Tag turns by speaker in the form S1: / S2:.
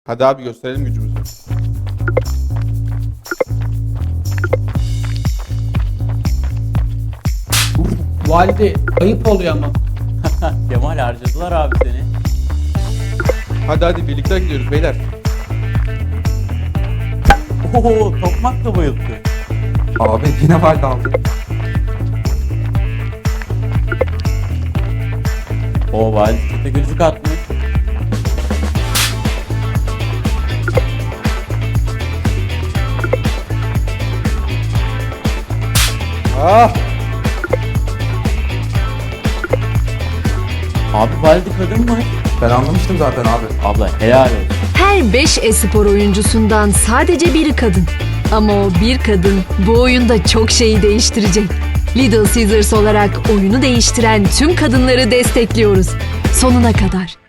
S1: Hadi abi gösterelim gücümüzü.
S2: Valide ayıp oluyor ama.
S3: Kemal harcadılar abi seni.
S1: Hadi birlikte gidiyoruz beyler.
S3: Oo, tokmak da bayılttı.
S4: Abi yine valide aldı.
S3: O valide çete gözlük atmış.
S1: Ah!
S3: Abi valide kadın mı?
S4: Ben anlamıştım zaten abi.
S3: Abla helal olsun.
S5: Her 5 e-spor oyuncusundan sadece biri kadın. Ama o bir kadın bu oyunda çok şeyi değiştirecek. Little Caesars olarak oyunu değiştiren tüm kadınları destekliyoruz. Sonuna kadar.